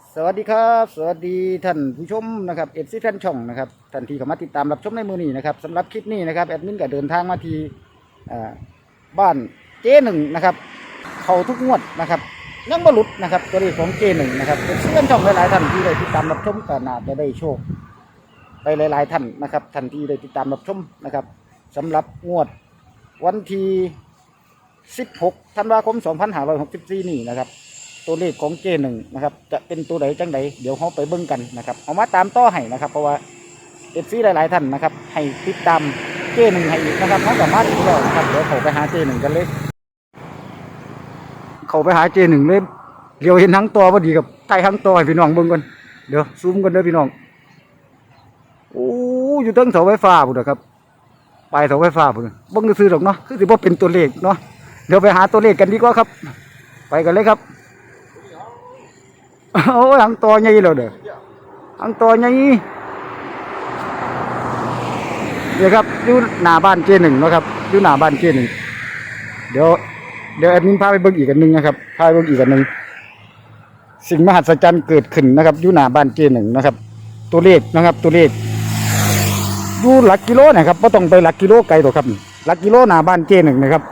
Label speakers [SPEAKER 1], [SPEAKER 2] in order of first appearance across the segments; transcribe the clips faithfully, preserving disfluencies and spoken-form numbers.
[SPEAKER 1] สวัสดีครับสวัสดีท่านผู้ชมนะครับเอฟซีแฟนช่องนะครับท่านที่เข้ามาติดตามรับชมในมือนี้นะครับสำหรับคลิปนี้นะครับแอดมินก็เดินทางมาที่บ้านเจหนึ่งนะครับเขาทุกงวดนะครับยังบรรลุนะครับตัวเลขของเจหนึ่งนะครับเอฟซีแฟนช่องหลายๆท่านที่ได้ติดตามรับชมก็น่าจะได้โชคไปหลายๆท่านนะครับท่านที่ได้ติดตามรับชมนะครับสำหรับงวดวันที่สิบหกธันวาคมสองพันห้าร้อยหกสิบสี่นี่นะครับตัวเลขของเจหนึ่งนะครับจะเป็นตัวไหนจังใดเดี๋ยวเขาไปเบิ่งกันนะครับเอามาตามต่อให้นะครับเพราะว่าเอฟซีหลายๆท่านนะครับให้ติดตามเจหนึ่งให้อีกนะครับเขาสามารถดูแล้วนะครับเดี๋ยวเขาไปหาเจหนึ่งกันเลยเขาไปหาเจหนึ่งเลยเดี๋ยวเห็นทั้งตัวพอดีกับไทยทั้งตัวให้พี่น้องเบิ่งกันเดี๋ยวซูมกันเด้อพี่น้องโอ้อยู่ตั้งเสาไฟฟ้าพุ่นนะครับปลายเสาไฟฟ้าพุ่นเบิ่งซื้อหรอกเนาะคือสิบ่เป็นตัวเลขเนาะเดี๋ยวไปหาตัวเลขกันดีกว่าครับไปกันเลยครับโอ้ยอังตัวใหญ่เลยเด้ออังตัวใหญ่เดี๋ยวครับอยู่หน้าบ้านเจหนึ่งนะครับอยู่หน้าบ้านเจหนึ่งเดี๋ยวเดี๋ยวแอดมินพาไปเบิ่งอีกอันหนึ่งนะครับพาไปเบิ่งอีกอันหนึ่งสิ่งมหัศจรรย์เกิดขึ้นนะครับอยู่หน้าบ้านเจหนึ่งนะครับตัวเลขนะครับตัวเลขอยู่หลักกิโลนะครับไม่ต้องไปหลักกิโลไกลหรอกครับหลักกิโลหน้าบ้านเจหนึ่งนะครับ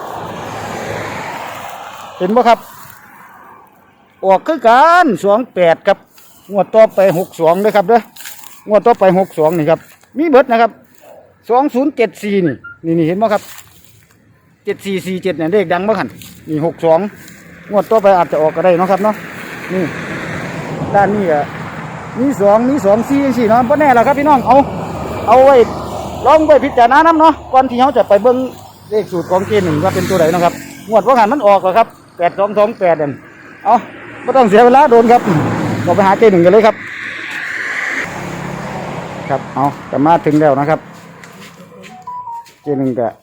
[SPEAKER 1] เห็นไหมครับออกคือกันสองแปดครับงวดต่อไปหกสองเลยครับเด้องวดต่อไปหกสองนี่ครับมีเบิดนะครับสองศูนย์เจ็ดสี่นี่นี่นี่เห็นไหมครับเจ็ดสี่สี่เจ็ดเนี่ยเลขดังมากขันนี่หกสองงวดต่อไปอาจจะออกก็ได้นะครับเนาะนี่ด้านนี้อ่ะมีสองมีสองสี่สี่เนาะเพราะแน่ละครับพี่น้องเอาเอาไว้ลองไว้พิจารณาน้ำเนาะก่อนที่เขาจะไปเบิ้งเลขสูตรของเกณฑ์หนึ่งว่าเป็นตัวไหนนะครับงวดว่าหันมันออกเหรอครับแปดสองสองแปดเนี่ยเอาไม่ต้องเสียเวลาโดนครับเราไปหาเจหนึ่งกันเลยครับครับเอาจะมาถึงแล้วนะครับเจหนึ่งก็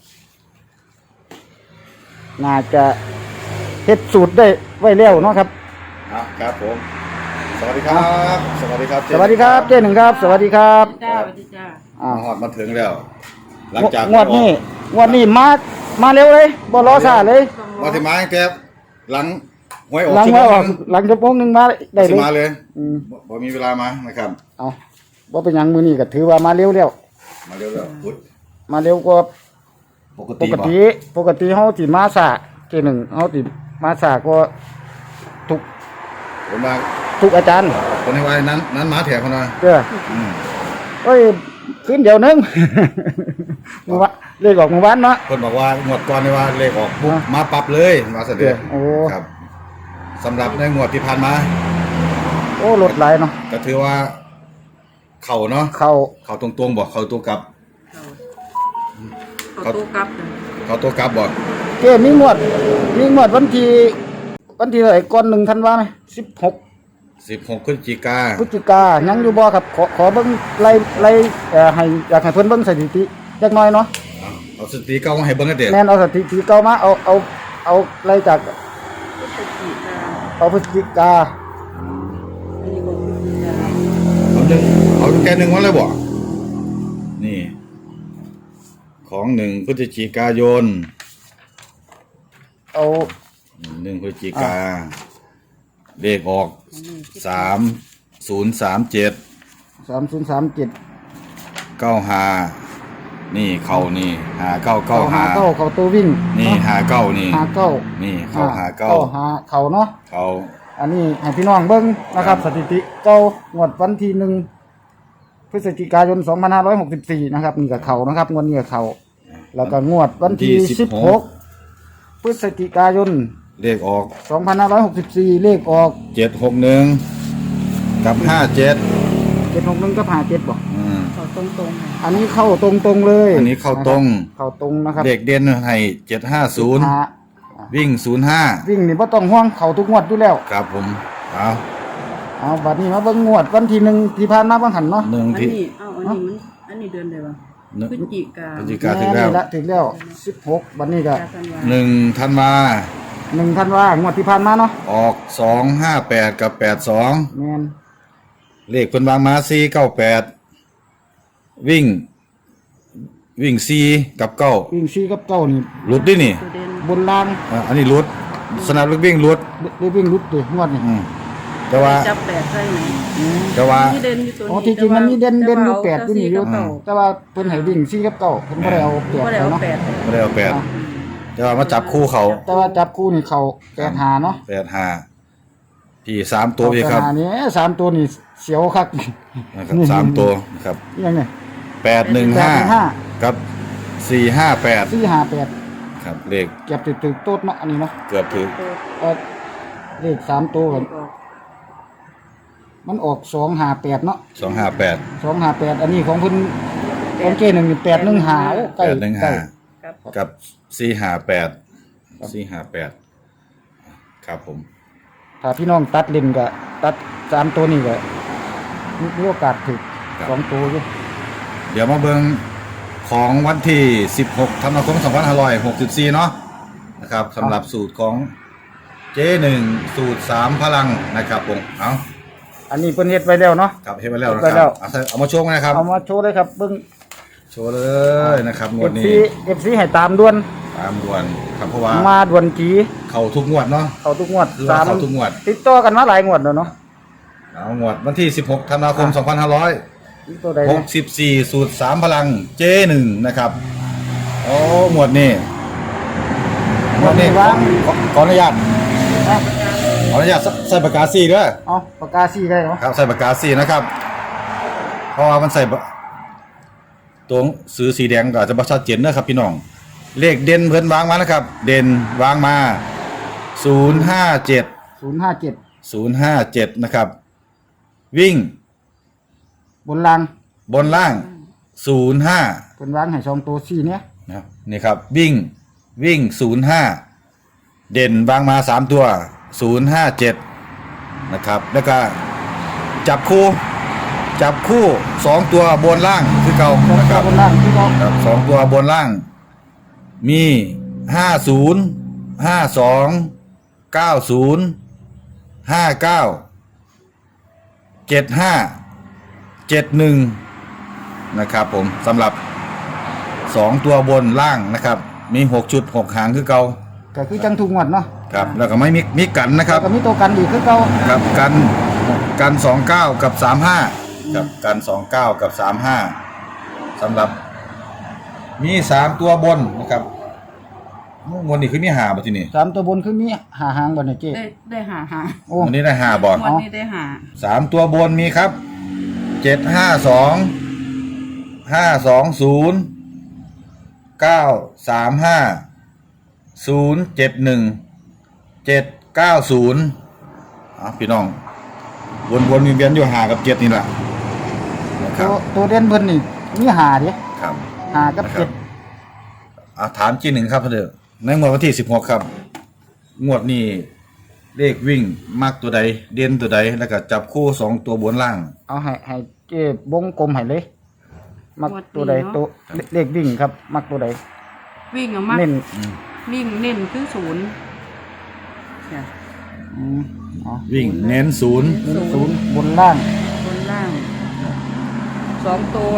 [SPEAKER 1] น่าจะเฮ็ดสูตรได้ไว้แล้วเนาะครับ
[SPEAKER 2] ครับผมสวัสดีครับสวัสดีครับ
[SPEAKER 1] สวัสดีครับเจหนึ่งครับสวัสดีครับ
[SPEAKER 3] จ้าสวัสดีจ้า
[SPEAKER 2] อ่าหอดมาถึงแล้วหลังจาก
[SPEAKER 1] งวดนี้งวดนี้มามาเร็วเลยบ่รอช้าเลย
[SPEAKER 2] มาถึงมาตั้งแต่หลังหวยออก
[SPEAKER 1] หลังมาออกหลังจะโป้งหนึ่งมาได้เลย
[SPEAKER 2] มาเลย
[SPEAKER 1] อืม
[SPEAKER 2] บ่มีเวลามานะครับ
[SPEAKER 1] เอาบ่เป็นยังมือนี้ก็ถือว่ามาเร็วแล้ว
[SPEAKER 2] มาเร็วแล้วพุทธ
[SPEAKER 1] มาเร็วกว่า
[SPEAKER 2] ปก
[SPEAKER 1] ป
[SPEAKER 2] ติ
[SPEAKER 1] กติปกติเฮาสิมาสาเจหนึ่งเฮาสิมาสาก็ทุก
[SPEAKER 2] ผมมา
[SPEAKER 1] ทุกอาจารย์
[SPEAKER 2] คนในวัยนั้นนั้นมาแถวเขาหน่อย
[SPEAKER 1] เด้อเอ้ยขึ้นเดี๋ยวนึงเมื่อวานเลขออกเมื่อวานเนาะ
[SPEAKER 2] คนบอกว่าหมวดก่อนในว่าเลขออกปุ๊บมาปรับเลยมาเสด็จ
[SPEAKER 1] โอ้
[SPEAKER 2] ครับสำหรับในหมวดที่ผ่านมา
[SPEAKER 1] โอ้ลดหลายเนาะ
[SPEAKER 2] ก็ถือว่าเข่าเนาะ
[SPEAKER 1] เข่า
[SPEAKER 2] เข่าตรงๆบอกเข่าตัวกลับ
[SPEAKER 3] เขาตู้กลับ
[SPEAKER 2] เข่าตัวกลับบอก
[SPEAKER 1] เกมีงวดมีงวดวันที่วันที่เท่าไหร่ก่อนหนึ่งธันวาไหมสิบหก
[SPEAKER 2] สิบหกพฤศจิกา
[SPEAKER 1] พฤศจิกายังอยู่บ่ครับขอขอเบิ่งไล่ไล่เอ่อให้อยากให้เพิ่นเบิ่งสถิติจักหน่อยเนาะ
[SPEAKER 2] เอาสถิติเก่ามาให้เบิ่งกันเด้
[SPEAKER 1] แม่นเอาสถิติเก่ามาเอาเอาเอาไล่จากเอาพฤศจิกา
[SPEAKER 2] เอาหนึ่งเอาแค่หนึ่งวันเลยบ่นี่ของหนึ่งพฤศจิกายน
[SPEAKER 1] เอา
[SPEAKER 2] หนึ่งพฤศจิกาเลขออกสามศูนย์สามเจ็ด
[SPEAKER 1] สามศูนย์สามเจ็ด
[SPEAKER 2] เก้าหานี่เข่านี่หาเก้าเก้าหา
[SPEAKER 1] เก้าเข่าตัววิ่ง
[SPEAKER 2] นี่หาเก้านี่
[SPEAKER 1] หาเก้า
[SPEAKER 2] นี่เข่าหาเก้า
[SPEAKER 1] หาเข่าเนาะ
[SPEAKER 2] เข่า
[SPEAKER 1] อันนี้ให้พี่น้องเบิ่งนะครับสถิติเก้างวดวันที่หนึ่งพฤศจิกายนสองพันห้าร้อยหกสิบสี่นะครับนี่กับเข่านะครับงวดนี้กับเข่าแล้วก็งวดวันที่สิบหกพฤศจิกายน
[SPEAKER 2] เลขออก
[SPEAKER 1] สองพันห้าร้อยหกสิบสี่เลขออก
[SPEAKER 2] เจ็ดหกหนึ่งกับห้าเจ็ด
[SPEAKER 1] เจ็ดหกหนึ่งกับห้าเจ็ดบอก
[SPEAKER 3] เขาตรงตรง
[SPEAKER 1] อันนี้เข้าตรงตรงเลย
[SPEAKER 2] อันนี้เข้าตรง
[SPEAKER 1] เข้าตรงนะครับ
[SPEAKER 2] เลขเด่นให้เจ็ดห้าศูนย์วิ่งศูนย์ห้า
[SPEAKER 1] วิ่งนี่ไม่ต้องห่วงเข้าทุกงวดอยู่แล้ว
[SPEAKER 2] ครับผมเอา
[SPEAKER 1] เอาบัดนี้มาเบิ่งงวดวันที่หนึ่งที่ผ่านมาบางหันเนาะ
[SPEAKER 2] หนึ่งที่
[SPEAKER 3] อ้าวอันนี้มันอันนี้เดือนอะไรวะพฤศจิกา
[SPEAKER 2] พฤศจิกาถึงแล้ว
[SPEAKER 1] ถึงแล้วสิบหกบัดนี้ก็
[SPEAKER 2] หนึ่งธันวา
[SPEAKER 1] หนึ่งธันวางวดที่ผ่านมาเนาะ
[SPEAKER 2] ออกสองห้าแปดกับแปดสอง
[SPEAKER 1] แม่น
[SPEAKER 2] เลขคนวางมาสี่เก้าแปดวิ่งวิ่งสี่กับเก้า
[SPEAKER 1] วิ่งสี่กับเก้านี่
[SPEAKER 2] หลุดดินี่
[SPEAKER 1] บนล่าง
[SPEAKER 2] อันนี้หลุดสนามลูกวิ่งหลุด
[SPEAKER 1] ได้วิ่งหลุดดิงวดนี่
[SPEAKER 2] แต่ว่า
[SPEAKER 3] จับแปดใส่ไหม
[SPEAKER 1] อืม
[SPEAKER 2] แต่ว่า
[SPEAKER 3] ที่เด่นอยู่ตัว
[SPEAKER 1] อ๋อ
[SPEAKER 3] นี้
[SPEAKER 1] จริงๆมันมีเด่นเด่นอยู่แปด
[SPEAKER 3] แต่
[SPEAKER 1] ที่นี่อยู่
[SPEAKER 3] ว่าเอา
[SPEAKER 1] แต่ว่าเพิ่นให้วิ่งสี่กับเก้าเพิ่นบ่ได้เอาแปด
[SPEAKER 3] บ่ได้
[SPEAKER 1] ไป
[SPEAKER 3] เอา
[SPEAKER 1] เนาะ
[SPEAKER 3] แปด
[SPEAKER 2] ไม่ได้เอาแปดแต่ว่ามาจับคู่เขา
[SPEAKER 1] แต่ว่าจับคู่นี่เขาแปดหาเนาะ
[SPEAKER 2] แปดห้าพี่สามตัวพี่ครับ
[SPEAKER 1] แปดหานี่สามตัวนี่เสียวคัก
[SPEAKER 2] นะครับสามตัวนะครับ
[SPEAKER 1] ยังไง
[SPEAKER 2] แปดหนึ่งห้า
[SPEAKER 1] แปดหนึ่งห้า
[SPEAKER 2] กับสี่ห้าแปด
[SPEAKER 1] สี่ห้าแปด
[SPEAKER 2] ครับเลข
[SPEAKER 1] เก็บติดตึกโต๊ดเนาะอันนี้เนาะ
[SPEAKER 2] เกือบถึง
[SPEAKER 1] เอ่อเลขสามตัวกันมันออกสองห้าแปดเนาะ
[SPEAKER 2] สองห้าแปด
[SPEAKER 1] สองห้าแปดอันนี้ของเพิ่นของเจหนึ่งแปดหนึ่งหาโอ้ใก
[SPEAKER 2] แป
[SPEAKER 1] ล้
[SPEAKER 2] ดหนึ่ง
[SPEAKER 1] ใกล้
[SPEAKER 2] ห้า
[SPEAKER 3] ครับ
[SPEAKER 2] กับสี่ห้าแปดสี่ห้าแปดครับผม
[SPEAKER 1] ถ้าพี่น้องตัดเล่นก็ตัดสามตัวนี้ก็มีโอกาสถึกสองตัวอยู่
[SPEAKER 2] เดี๋ยวมาเบิ่งของวันที่สิบหกธันวาคมสองพันห้าร้อยหกสิบสี่เนาะนะครับสำหรับสูตรของเจหนึ่งสูตรสามพลังนะครับผมเอา
[SPEAKER 1] อันนี้เพิ่นเฮ็ดไว้แล้วเนาะ
[SPEAKER 2] ครับเห็นไปแล้วนะ
[SPEAKER 1] เฮ็ด
[SPEAKER 2] ค
[SPEAKER 1] ไว้แล้
[SPEAKER 2] รับ
[SPEAKER 1] ว
[SPEAKER 2] เอาใส่เอามาโชว์กันนะครับ
[SPEAKER 1] เอามาโชว์เลยครับเบิ่ง
[SPEAKER 2] โชว์เลยนะครับงวด
[SPEAKER 1] เอฟ
[SPEAKER 2] นี้
[SPEAKER 1] ซี เอฟ ซี ให้ตามด่วน
[SPEAKER 2] ตามด่วนครับเพราะว่า
[SPEAKER 1] มาด่วนจี
[SPEAKER 2] เข้าทุกงวดเนาะ
[SPEAKER 1] เข้าทุกงวด
[SPEAKER 2] คือ
[SPEAKER 1] สา
[SPEAKER 2] ว่าม เข้าทุกงวด
[SPEAKER 1] ติดต่อกันมาหลายงวดแล้วเนาะ
[SPEAKER 2] เอางวดวันที่สิบหกธันวาคมสองพันห้าร้อย
[SPEAKER 1] ติดตัวใด
[SPEAKER 2] ห
[SPEAKER 1] เนี่ย
[SPEAKER 2] กสิบสี่สูตรสามพลังเจหนึ่งนะครับโอ้หมวดนี้หมวดนี้ขอขอขออนุญาต
[SPEAKER 1] นะ
[SPEAKER 2] ขออนุญาตใส่ใส่ปากกาซีด้วย
[SPEAKER 1] เอาปากกาซี่ได้เนาะ
[SPEAKER 2] ครับใส่ปากกาซีนะครับ เพราะว่ามันใส่ปะตัวซื้อสีแดงก็อาจจะบ่ชัดเจนนะครับพี่น้องเลขเด่นเพิ่นวางมานะครับ เด่นวางมาศูนย์ห้าเจ็ด
[SPEAKER 1] ศูนย์ห้าเจ็ด
[SPEAKER 2] ศูนย์ห้าเจ็ดนะครับ วิ่ง
[SPEAKER 1] บนราง
[SPEAKER 2] บนล่างศูนย์ห้า
[SPEAKER 1] เพิ่นวางให้สองตัวสี่เนี่ย
[SPEAKER 2] นะครับนี่ครับวิ่งวิ่งศูนย์ห้าเด่นวางมาสามตัวศูนย์ห้าเจ็ดนะครับแล้วก็จับคู่จับคู่สองตัวบนล่างคือเก่า
[SPEAKER 1] สอง
[SPEAKER 2] นะค
[SPEAKER 1] ตัว
[SPEAKER 2] รับบ
[SPEAKER 1] นรางที่เขา
[SPEAKER 2] ครับสองตัวบนล่าง มีห้าศูนย์ห้าสองเก้าศูนย์ห้าเก้าเจ็ดห้าเจ็ดหนึ่งนะครับผมสำหรับสองตัวบนล่างนะครับ มีหกจุดหกหางคือเก่า
[SPEAKER 1] ก็คือจังทุกงวดเนาะ
[SPEAKER 2] ครับแล้วก็ไม่มีมีกันนะครับ
[SPEAKER 1] แล้วก็มีตัวกันอีกคือเก่า
[SPEAKER 2] ครับกันกันสองเก้ากับสามห้ากับกันสองเก้ากับสามห้าสำหรับ มีสามตัวบนนะครับบนนี่คือมีหาบ่ที่นี่
[SPEAKER 1] สามตัวบนคือมีหาหางบ่เนี่ยเจ๊
[SPEAKER 3] ได้ได้หาหา
[SPEAKER 1] โอ้
[SPEAKER 2] วันนี้ได้หาบ่
[SPEAKER 3] วันนี้ได้หา
[SPEAKER 2] สามตัวบนมีครับเจ็ดห้าสองห้าสองศูนย์เก้าสามห้าศูนย์เจ็ดหนึ่งเจ็ดเก้าศูนย์อ่ะพี่น้องวนวนๆเวียนๆอยู่หากับเจ็ดนี่แหละนะค
[SPEAKER 1] ตั
[SPEAKER 2] รับ
[SPEAKER 1] วตัวเด่นเพิ่นนี่มีหาเด้
[SPEAKER 2] ครับ
[SPEAKER 1] หากับ
[SPEAKER 2] นะครั
[SPEAKER 1] เจ็
[SPEAKER 2] บ
[SPEAKER 1] ด
[SPEAKER 2] อ่ะถามจีหนึ่งครับเถอะในงวดวันที่สิบหกครับ งวดนี้เลขวิ่งมักตัวใด เด่นตัวใด แล้วก็จับคู่สองตัวบนล่าง
[SPEAKER 1] เอาให้ให้เจ๊วงกลมให้เลย มักตัวใดตัวเลขวิ่งครับ มักตัวใด
[SPEAKER 3] วิ่งเอามาก
[SPEAKER 1] เน้น
[SPEAKER 3] วิ่งเน้นคือศูนย์จ้ะ
[SPEAKER 1] อืมอ๋อ
[SPEAKER 2] วิ่งเน้นศูนย์
[SPEAKER 1] เน้นศูนย์บนล่าง
[SPEAKER 3] บนล่างสองตัว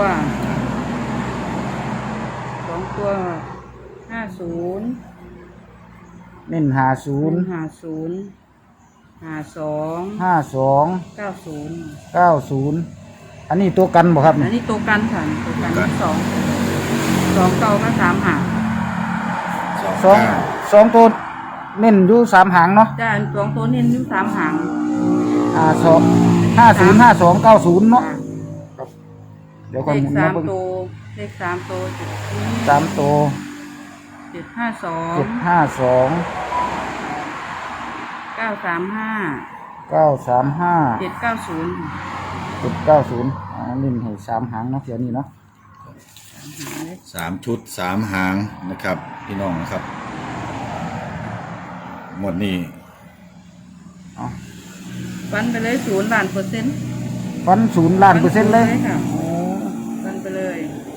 [SPEAKER 3] สองตัวห้าศูนย์
[SPEAKER 1] เน้นหาศูนย์
[SPEAKER 3] ห้าศูนย์ห้าสอง
[SPEAKER 1] ห้าสอง
[SPEAKER 3] เก้าศูนย์
[SPEAKER 1] เก้าศูนย์อันนี้ตัวกันบ่ครับ
[SPEAKER 3] อันนี้ตัวกันค่ะตัวกันสองสองเก้าก็สามหาง
[SPEAKER 1] สองสองตัวเน้นอยู่สามหางเนาะ
[SPEAKER 3] จ้าสองตัวเน้นอยู่สามหาง
[SPEAKER 1] อ่าสองห้าศูนย์ห้าสองเก้าศูนย์เนาะ
[SPEAKER 3] อ่า
[SPEAKER 1] เดี๋ยว
[SPEAKER 3] เล
[SPEAKER 1] ก่อน
[SPEAKER 3] ข
[SPEAKER 1] หมุน
[SPEAKER 3] สา
[SPEAKER 1] นะ
[SPEAKER 3] ม
[SPEAKER 1] เบิ่ง
[SPEAKER 3] ตัวเลขสามตัวจุดนี้
[SPEAKER 1] สามตัว
[SPEAKER 3] เจ็ดห้าสอง
[SPEAKER 1] เจ็ดห้าสอง
[SPEAKER 3] เก้าสามห้า
[SPEAKER 1] เก้าสามห้า
[SPEAKER 3] เจ็ดเก้าศูนย์
[SPEAKER 1] เจ็ดเก้าศูนย์อ่าเน้นให้สามหางเนาะเดี๋ยวนี้เนาะ
[SPEAKER 2] สามชุดสามหางนะครับ พี่น้องนะครับ หมดนี้
[SPEAKER 1] เอา
[SPEAKER 3] ฟันไปเลยศูนย์ล้านเปอร์เซ็นต์
[SPEAKER 1] ฟันศูนย์ล้านเปอร์เซ็นต์เลย
[SPEAKER 3] ค่ะ
[SPEAKER 1] โอ้
[SPEAKER 3] ฟันไปเลย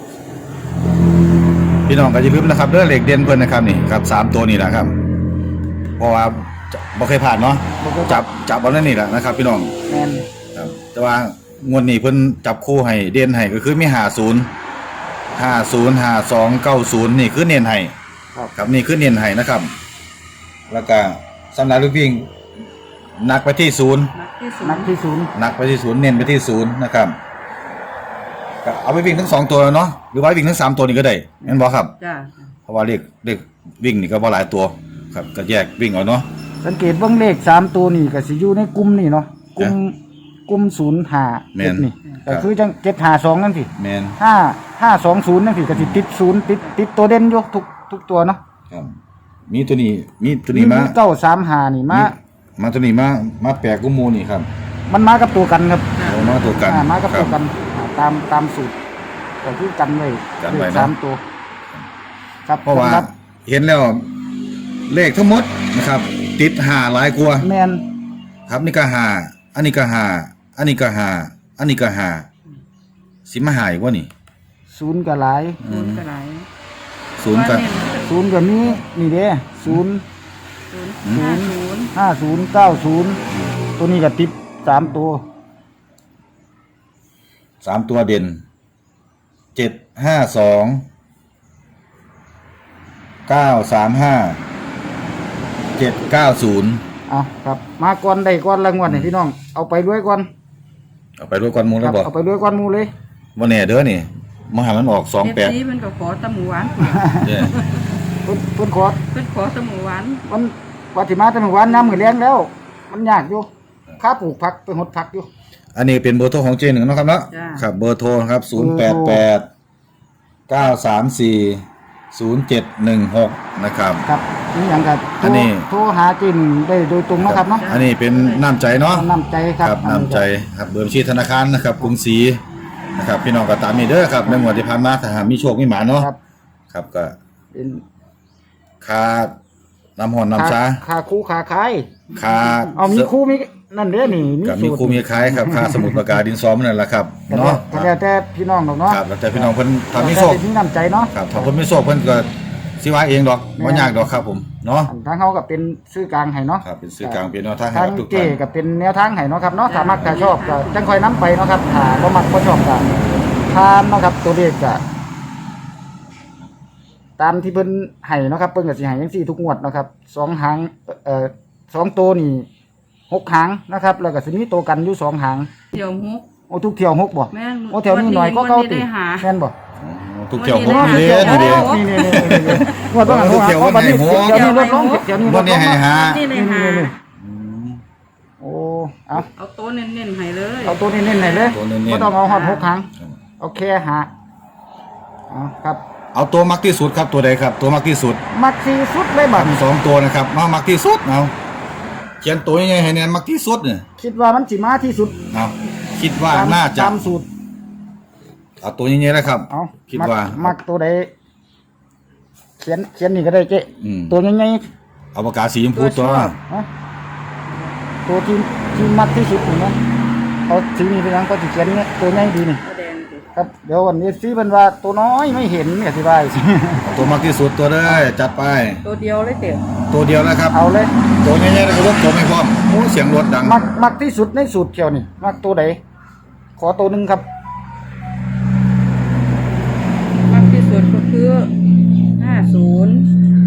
[SPEAKER 2] พี่น้องก็อย่าลืมนะครับเรื่องเหล็กเด่นเพิ่นนะครับนี่ครับสามตัวนี่แหละครับ เพราะว่าจะบ่เคยผ่านเนาะจับจับเอานั่นนี่แหละนะครับ พี่น้อง
[SPEAKER 1] แมน
[SPEAKER 2] ครับแต่ว่างวดนี้เพิ่นจับคู่ให้เด่นให้ก็คือมีห้าศูนย์ห้าศูนย์ห้าสองเก้าศูนย์นี่คือเน้นให้
[SPEAKER 1] ครับ
[SPEAKER 2] ครับนี่คือเน้นให้นะครับ แล้วก็สำหรับลูกวิ่งนักไปที่ศูนย์
[SPEAKER 3] นักที่ที่ศูน
[SPEAKER 1] นัก
[SPEAKER 3] ย์
[SPEAKER 1] ที่ศูนย์
[SPEAKER 2] หนักไปที่ศูนย์เน้นไปที่ศูนย์นะครับก็เอาไปวิ่งทั้งสองตัวเนาะหรือว่าวิ่งทั้งสามตัวนี่ก็ได้เห็นบ่ครับ
[SPEAKER 3] จ้า
[SPEAKER 2] เพราะว่าเลขเลขวิ่งนี่ก็บ่หลายตัวครับก็แยกวิ่งเอาเนาะ
[SPEAKER 1] สังเกตเบิ่งเลขสามตัวนี่ก็สิอยู่ในกลุ่มนี่เนาะกลุ่มกลุ่มศูนย์ห้า
[SPEAKER 2] แม่
[SPEAKER 1] เจ็ด
[SPEAKER 2] น
[SPEAKER 1] นี่
[SPEAKER 2] ครั
[SPEAKER 1] ก็
[SPEAKER 2] บ
[SPEAKER 1] คือจังเจ็ดห้าสองนั่นสิ
[SPEAKER 2] แมน
[SPEAKER 1] ห้าห้าสองศูนย์นั่นสิก็สิติดศูนย์ติดติดตัวเด่นอยู่ทุกทุกตัวเนาะ
[SPEAKER 2] ครับมีตัวนี้มีตัวนี้มา
[SPEAKER 1] เก้าสามห้านี่มา
[SPEAKER 2] มาตัวนี้มามาแปลกกุมูนี่ครับ
[SPEAKER 1] มันมากับตัวกันครับ
[SPEAKER 2] โอ้มาตัวกัน
[SPEAKER 1] อ่ามากับ
[SPEAKER 2] ค
[SPEAKER 1] ตั
[SPEAKER 2] รั
[SPEAKER 1] วกันอ่าตามตามสูตรก็คือกันไว้
[SPEAKER 2] กันไว้
[SPEAKER 1] เลข
[SPEAKER 2] นะ
[SPEAKER 1] สามตัว ครับ
[SPEAKER 2] เพราะว่า
[SPEAKER 1] สำหบ
[SPEAKER 2] เห็นแล้วเลขทั้งหมดนะครับ ติดหาหลายกว่า
[SPEAKER 1] แมน
[SPEAKER 2] ครับนี่ก็หาอันนี้ก็หาอันนี้ก็หาอันนี้ก็หาสิมาหาอีกว่านี่
[SPEAKER 1] ศูนย์ก็หลาย
[SPEAKER 3] ศูนย์ก็หลาย
[SPEAKER 2] ศูนย์ก็
[SPEAKER 3] ว่าเน้น
[SPEAKER 1] ศูนย์ก็มีนี่เด้ศูนย์
[SPEAKER 3] ศูนย์ห้าศูนย์
[SPEAKER 1] ห้าศูนย์เก้าศูนย์ตัวนี้ก็ติดสามตัว
[SPEAKER 2] สามตัวเด่นเจ็ดห้าสองเก้าสามห้าเจ็ดเก้าศูนย์
[SPEAKER 1] เอาครับ มาก่อนได้ก่อนรางวัลให้พี่น้อง เอาไปด้วยก่อน
[SPEAKER 2] เอาไปด้วยกันมูล
[SPEAKER 1] ค
[SPEAKER 2] แล้
[SPEAKER 1] รั
[SPEAKER 2] วบอก
[SPEAKER 1] เอาไปด้วยก่อนหมูเลย
[SPEAKER 2] ว่าแน่เด้อนี่มาหามันออกสอง
[SPEAKER 3] เอฟ
[SPEAKER 2] แปด
[SPEAKER 3] ซีมันก็ขอตะหมูหวาน
[SPEAKER 2] เด้อ
[SPEAKER 1] เพิ่นเพิ่นขอ
[SPEAKER 3] เป็นขอตะหมูหวาน
[SPEAKER 1] มันวัติมาแต่เมื่อวานน้ำมือแรงแล้ว มันยากอยู่ค่าปลูกผักไปหดผักอยู่
[SPEAKER 2] อันนี้เป็นเบอร์โทรของเจหนึ่งเนาะครับเนาะ
[SPEAKER 3] จ้า
[SPEAKER 2] ครับเบอร์โทรครับศูนย์แปดแปดเก้าสามสี่ศูนย์เจ็ดหนึ่งหกนะครับ
[SPEAKER 1] ครับนี่อย่างกับโท
[SPEAKER 2] อั
[SPEAKER 1] ร
[SPEAKER 2] นนี้
[SPEAKER 1] โทรหาจินได้โดยตรงเนาะครับเนาะ
[SPEAKER 2] อันนี้เป็นน้ำใจเนาะ
[SPEAKER 1] น้ำใจครับ
[SPEAKER 2] ครับน้ำใจครับเบอร์บัญชีธนาคารนะครับกรุงศรีนะครับพี่น้องก็ตามนี้เด้อครับในงวดที่ผ่านมาถ้าหากมีโชคมีหมาเนาะ
[SPEAKER 1] ครับ
[SPEAKER 2] ครับก็
[SPEAKER 1] เป็น
[SPEAKER 2] ค่าน้ำหอนน้ำชา
[SPEAKER 1] ค่าคู่ค่าขาย
[SPEAKER 2] ค่า
[SPEAKER 1] เอามีคู่มีนั่นเด้อนี่มี
[SPEAKER 2] กับมี
[SPEAKER 1] สูตร
[SPEAKER 2] ครูมีคล้ายครับค่าสมุดปากกาดินสอมันนั่นแหละครับ
[SPEAKER 1] แต่
[SPEAKER 2] เนาะ
[SPEAKER 1] แต่แล้วแต่พี่น้องดอกเนาะ
[SPEAKER 2] ครับแล้วแต่พี่น้องเพิ่นทำมีโชค
[SPEAKER 1] แต่เป็นน้ำใจเนาะ
[SPEAKER 2] ครับถ้าเพิ่นไม่โชคเพิ่นก็สิว่าเองดอกบ่ยากดอกครับผมเนาะ
[SPEAKER 1] อันทางเขาก็เป็นซื้อกลางให้เนาะ
[SPEAKER 2] ครับเป็นสื่อกลางเป็นแนวทางให้
[SPEAKER 1] ทาง
[SPEAKER 2] กับทุก
[SPEAKER 1] เจ
[SPEAKER 2] ท่าน
[SPEAKER 1] ก็เป็นแนวทางให้เนาะครับเนาะถ้ามักถ้าชอบก็จังค่อยนํไปเนาะครับถ้าบ่มักบ่ชอบก็ทานเนาะครับตัวเลขก็ตามที่เพิ่นให้เนาะครับเพิ่นก็สิให้จังซี่ทุกงวดเนาะครับสองหางเอ่อสองตัวนี่หกหางนะครับ แล้วก็สิมีตัวกันอยู่สองหาง
[SPEAKER 3] เที่ยวฮุก
[SPEAKER 1] โอ้ทุกเที่ยวหกบ่
[SPEAKER 3] แม่น
[SPEAKER 1] โอ้แถวนี้หน่อยก็เก่าติ
[SPEAKER 3] ได้หา
[SPEAKER 1] แม่นบ่
[SPEAKER 2] ทุกเที่ยวห
[SPEAKER 3] วั
[SPEAKER 2] ก
[SPEAKER 3] นนี้
[SPEAKER 2] นี่
[SPEAKER 3] ได้
[SPEAKER 2] เด้
[SPEAKER 3] หา
[SPEAKER 2] นี่เด้
[SPEAKER 3] โอ้
[SPEAKER 1] นี่นี่นี่นี่งวดว่า
[SPEAKER 2] ทุกเที่ยว
[SPEAKER 1] อ๋อบัดนี้
[SPEAKER 2] วันไหนหก
[SPEAKER 1] เดี๋ยวนี้ลดลงเดี๋ยวนี้ล
[SPEAKER 2] วัน
[SPEAKER 1] ด
[SPEAKER 2] นี้
[SPEAKER 1] ลง
[SPEAKER 2] ให้หา
[SPEAKER 3] นี่เลยหา
[SPEAKER 1] โอ้เอา
[SPEAKER 3] เอาโต๊ะเน้นๆให้เลย
[SPEAKER 1] เอาตัวนี้เน้นๆหน่อยเลย
[SPEAKER 2] ตัวเน้นๆ
[SPEAKER 1] บ่ต้องเอาฮอดหกครั้งโอเคหาเอาครับ
[SPEAKER 2] เอาตัวมักที่สุดครับตัวใดครับ ตัวมักที่สุด
[SPEAKER 1] มักสีสุดเลยบัด
[SPEAKER 2] มีสองตัวนะครับมามักที่สุดเอาเขียนตัวยังไงให้แน่มักที่สุดเนี่ย
[SPEAKER 1] คิดว่ามันสิมาที่สุด
[SPEAKER 2] เอาคิดว่า
[SPEAKER 1] ตาม
[SPEAKER 2] น่าจะ
[SPEAKER 1] ตามสูตร
[SPEAKER 2] เอาตัวยังไงนะครับ
[SPEAKER 1] เอา
[SPEAKER 2] คิด
[SPEAKER 1] มัก
[SPEAKER 2] ว่า
[SPEAKER 1] มักตัวใดเขียนเขียนนี่ก็ได้เจ๊
[SPEAKER 2] อืม
[SPEAKER 1] ตัวยังไง
[SPEAKER 2] เอาปากกาสีชมพูตัว
[SPEAKER 1] ฮะตัวที่ที่มักที่สุดนี่นะเอาสีนี้ไปยังก็สิเขียนเนี่ยตัวใหญ่ดีนี่
[SPEAKER 3] ตัวแดงสิ
[SPEAKER 1] ครับเดี๋ยววันนี้ซีเพิ่นว่าตัวน้อยไม่เห็นเนี่ยสิบาย
[SPEAKER 2] เอาตัวมักที่สุดตัวได้จัดไป
[SPEAKER 3] ตัวเดียวเลยเต๋อ
[SPEAKER 2] ตัวเดียวนะครับ
[SPEAKER 1] เอาเลย
[SPEAKER 2] ตัวใหญ่ๆแล้วก็รถตัวไม่พร้อมโอ้เสียงรถดัง
[SPEAKER 1] มักมักที่สุดในสูตรเกี่ยวนี่มักตัวใดขอตัวหนึ่งครับ
[SPEAKER 3] มากที่สุดก็คือห้าศูนย์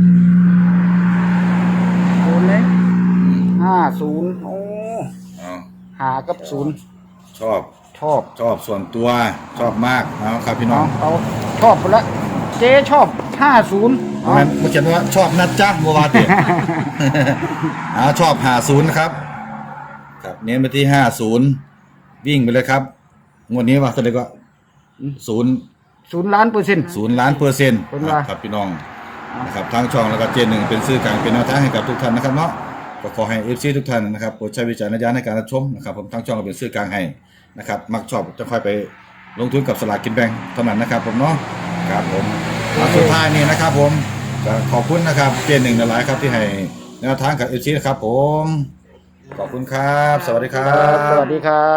[SPEAKER 3] ศูนย์เลย
[SPEAKER 1] ห้าศูนย์โอ้
[SPEAKER 2] เอา
[SPEAKER 1] หากับศูนย์
[SPEAKER 2] ชอบ
[SPEAKER 1] ชอบ
[SPEAKER 2] ชอบส่วนตัวชอบมากเอาครับพี่น้
[SPEAKER 1] เอา
[SPEAKER 2] อง
[SPEAKER 1] เอาชอบไปละเจ๊ชอบห้าศูนย์
[SPEAKER 2] เพราะงั้นเมื่อเขียนว่าชอบนะจ๊ะบัววาติ เอาชอบหาศูนย์นะครับครับเน้นไปที่ห้าศูนย์วิ่งไปเลยครับงวดนี้ว่าเท่าไหร่ก็ศูนย์
[SPEAKER 1] ศูนย์ล้านเปอร์เซ็นต์
[SPEAKER 2] ศูนย์ล้านเปอร์เซ็นต์
[SPEAKER 1] เป็นว่า
[SPEAKER 2] ครับพี่น้องนะครับทางช่องแล้วก็เจนหนึ่งเป็นสื่อกลางเป็นแนวทางให้กับทุกท่านนะครับเนาะก็ขอให้เอฟซีทุกท่านนะครับโปรดใช้วิจารณญาณในการรับชมนะครับผมทางช่องก็เป็นสื่อกลางให้นะครับมักชอบจะค่อยไปลงทุนกับสลากกินแบ่งเท่านั้นนะครับผมเนาะครับผมเอาสุดท้ายนี้นะครับผมก็ขอบคุณนะครับเจนหนึ่งหลายๆครับที่ให้แนวทางกับเอฟซีนะครับผมขอบคุณครับ สวัสดีครั
[SPEAKER 1] ครับส
[SPEAKER 2] บ
[SPEAKER 1] วัสดีครับ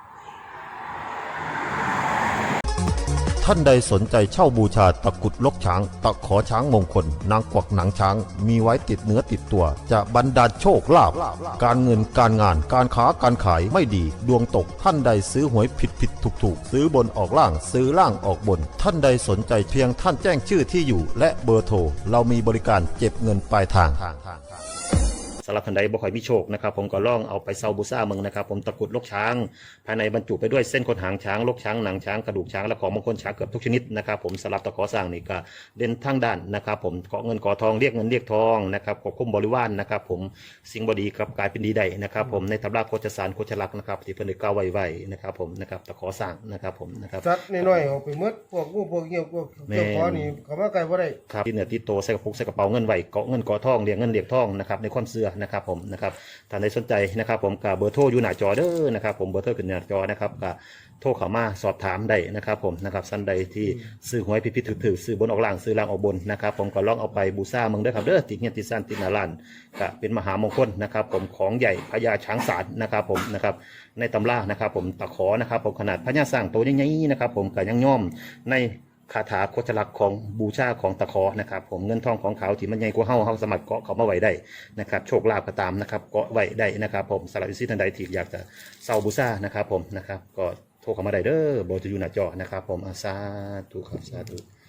[SPEAKER 4] ท่านใดสนใจเช่าบูชาตะกรุดลกช้าง ตะขอช้างมงคล นางกวักหนังช้าง มีไว้ติดเนื้อติดตัว จะบรรดาลโชคลาภการเงินการงานการค้าการขายไม่ดี ดวงตกท่านใดซื้อหวยผิดผิดถูกถูกซื้อบนออกล่างซื้อล่างออกบน ท่านใดสนใจเพียงท่านแจ้งชื่อที่อยู่ และเบอร์โทรเรามีบริการเก็บเงินปลายทาง
[SPEAKER 2] ส
[SPEAKER 5] ำหรับท่านใดบ่ค่อยมีโชคนะครับผมก็ลองเอาไปเซาบูซ่าเมืองนะครับผมตะกรุดลกช้างภายในบรรจุไปด้วยเส้นขนหางช้างลกช้างหนังช้างกระดูกช้างและของมงคลช้างเกือบทุกชนิดนะครับผมสำหรับตะขอสร้างนี่ก็เด่นทางด้านนะครับผมเกาะเงินเกาะทองเรียกเงินเรียกทองนะครับควบคุมบริวารนะครับผมสิ่งบดีครับกลายเป็นดีได้นะครับผมในตำราโคจสารโคจลักษณ์นะครับที่เพิ่นได้กล่าวไว้ไว้นะครับผมนะครับตะขอสร้างนะครับผมนะครับ
[SPEAKER 6] สัตว์น้อยๆออกไปหมดพวกงูพวกเหี้ยวพวกเจ้าของนี่เขามาไกลบ่ได้
[SPEAKER 5] ครับที่เหนือที่โตใส่กระปุกใส่กระเป๋าเงินไหวเกาะเงินเกาะทองเรียงเงินเรียงทองนะครับในความเสื่อนะครับผมนะครับท่านใดสนใจนะครับผมกับเบอร์โทรอยู่หน้าจอเด้อนะครับผมเบอร์โทรขึ้นหน้าจอนะครับกับโทรเข้ามาสอบถามได้นะครับผมนะครับท่านใดที่ซื้อหวยพิพิธถือซื้อบนออกล่างซื้อล่างออกบนนะครับผมก็ลองเอาไปบูชาเมืองเด้อครับเด้อติดเงี้ยติดสั้นติดหนาล้านก็เป็นมหามงคลนะครับผมของใหญ่พญาช้างศาลนะครับผมนะครับในตำรานะครับผมตะขอนะครับผมขนาดพญาสร้างตัวใหญ่ๆนะครับผมก็ยังย่อมในคาถาโคจลักษณ์ของบูชาของตะขอนะครับผมเงินทองของเขาที่มันใหญ่กว่าเฮาเฮาสามารถเกาะเขามาไว้ได้นะครับโชคลาภก็ตามนะครับเกาะไว้ได้นะครับผมสำหรับอิสิท่านใดที่อยากจะเซาบูชานะครับผมนะครับก็โทรเข้ามาได้เด้อเบอร์จะอยู่หน้าจอนะครับผมอาสาธุครับสาธุ